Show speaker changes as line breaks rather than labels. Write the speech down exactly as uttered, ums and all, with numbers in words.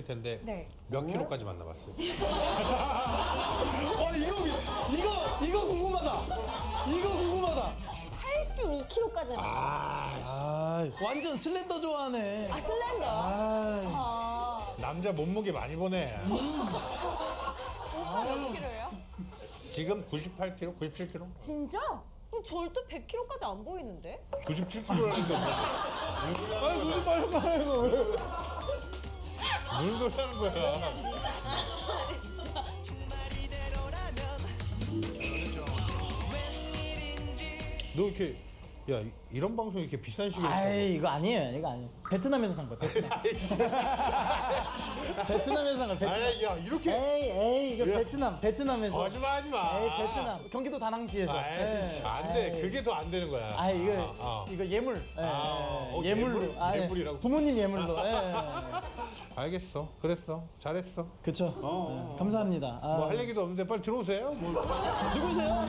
만나봤을 텐데
네.
몇 킬로까지 만나봤어요?
와 이거 이거 이거 궁금하다. 이거 궁금하다.
팔십이 킬로그램까지 만나봤어요.
아 완전 슬렌더 좋아하네.
아, 슬렌더.
아,
아,
남자 몸무게 많이 보네.
오빠 몇 킬로예요?
지금 구십팔 킬로, 구십칠 킬로?
진짜? 이거 절대 백 킬로그램까지 안 보이는데?
구십칠 킬로라는데
아니 무슨 말을 말해요?
무슨 소리 하는 거야? 너 이렇게 야 이- 이런 방송 이렇게 비싼 시계를 쳐?
아이 이거 아니에요. 이거 아니에요. 베트남에서 산 거야. 베트남. 베트남에서 산 거야. 베트남.
아야 야 이렇게
에이 에이 이거
야.
베트남 베트남에서.
거짓말 하지 마.
에이 베트남 경기도 다낭시에서.
아이, 안 돼. 그게 더 안 되는 거야.
아 이거
아, 아.
이거 예물. 예,
아,
예,
어,
예물로.
예물?
아, 예.
예물이라고?
부모님 예물로. 예, 예, 예.
알겠어. 그랬어. 잘했어.
그쵸.
어,
예, 감사합니다. 아,
뭐 할 얘기도 없는데 빨리 들어오세요. 뭐.
누구세요?